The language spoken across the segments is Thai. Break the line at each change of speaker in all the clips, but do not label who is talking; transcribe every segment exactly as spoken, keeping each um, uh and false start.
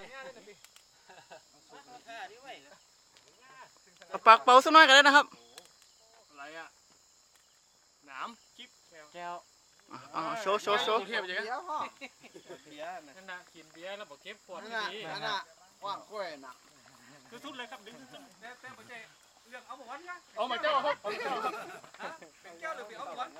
ปากเป่าสักหน่อยกันได้นะครับ
อะไรอ่ะหนามจิ๊บแก้ว
อ๋อโชว์โชว์โชว์
เทียบยังไง
เบียร์พ่อ
เบียร์นั่นน่ะกินเบียร์แล้วบอกเก็บขวด
นั่น
ที่
น่ะ
นี่
นั่นน่ะว่างกล้วยน่ะ
คือทุดเลยครับดึงทุดแต่แต่ไม่ใช่เรื่องเอาหมอนนะเอามาเจ้าครับเอาเจ้าเป็นแก้วหรือเป็นเอาหมอน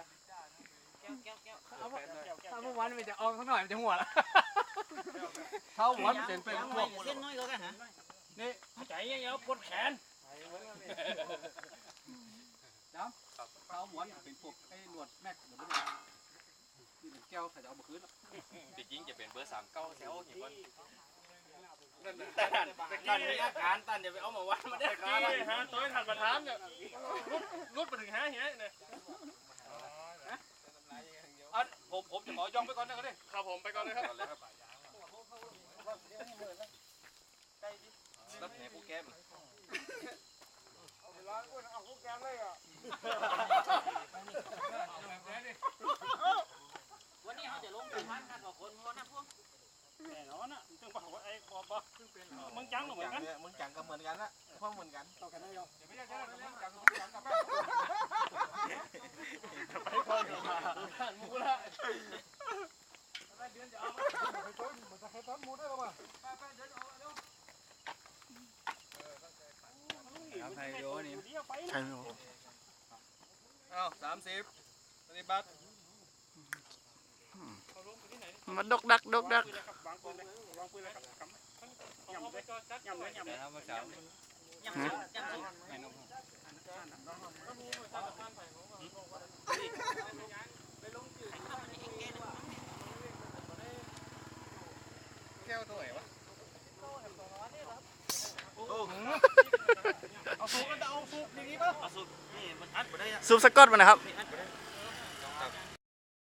ถ้าเมื่อวานมันจะออกสักหน่อยมันจะหัวละเท่าวันเป็นเป็นพวกเส้นน้อยก็กันฮะนี่ใจเงี้ยปวดแขนจ้ำเท้าหมอนเป็นพวกไอ้หนวดแม็กหรือไม่นี่เป็นแก้วใส่เอามาคืนจริงจะเป็นเบอร์สามเก้าแถวกี่คนตันตันมีอาการตันอย่าไปเอามาวัดมาได้การฮะตัวถัดมาถามเนี่ยรุดรุดไปถึงหาเหี้ยเนี่ยผมผมจะขอยอมไปก่อนนะก็ได้ครับผมไปก่อนเลยครับรับแหนผู้แก้มร้านกุ้งเอาผู้แก้มเลยอ่ะวันนี้เขาจะลงไปพันกันกว่าคนเพราะนั่นพวกแน่นอนอ่ะจึงบอกว่าไอ้บอบเป็นมึงจังเหมือนกันมึงจังก็เหมือนกันละพวกเหมือนกันต่อกันได้ยังเดี๋ยวไม่ได้จะเรื่องจังมึงจังกับแม่ไปก่อนมามูละเดือนจะเอาไปต้นมันจะให้ต้นมูได้ป่ะไปไปเดี๋ยวเอาเร็วไทยโยนี่ไทยโยอ้าวสามสิบปฏิบัติ
มาดกดักดกดัก
วางปืนเลยวางปืนเลยครับยำเลยยำเลยยำเลยครับสามยำยำแก้วตัวไหนวะเอาสูบกันจะเอาสูบอย่างนี้ป่ะเอาสูบนี่มันอัดไปได้
ซูปสกอตมานะครับ